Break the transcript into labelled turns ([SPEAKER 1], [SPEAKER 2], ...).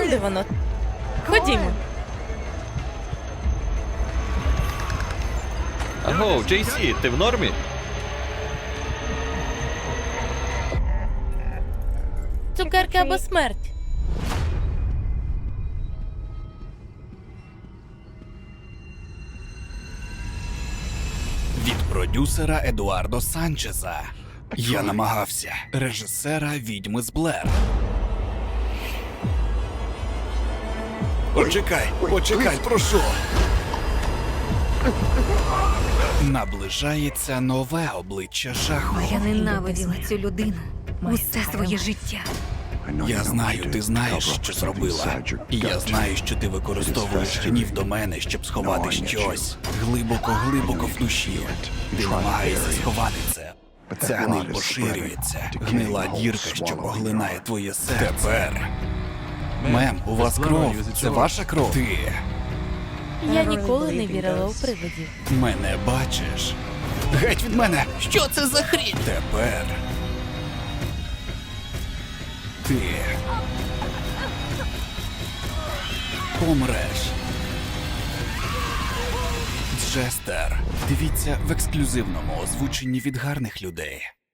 [SPEAKER 1] Он де воно. Ходімо.
[SPEAKER 2] Аго, Джейсі, ти в нормі?
[SPEAKER 1] Цукерки або смерть.
[SPEAKER 3] Від продюсера Едуардо Санчеза. Я намагався. Режисера «Відьми з Блер». Почекай, прошу. Наближається нове обличчя жаху.
[SPEAKER 4] Я ненавиділа цю людину усе своє життя.
[SPEAKER 3] Я знаю, ти знаєш, що зробила. І я знаю, що ти використовуєш гнів до мене, щоб сховати щось. Глибоко в душі. Ти намагаєшся сховати це. Ця гниль поширюється. Гнила дірка, що поглинає твоє серце. Тепер. Мем, у вас кров. Це ваша кров? Ти
[SPEAKER 1] Я ніколи не вірила у привидів.
[SPEAKER 3] мене бачиш. Геть від мене! Що це за хрінь? Тепер. Ти помреш. Джестер. Дивіться в ексклюзивному озвученні від гарних людей.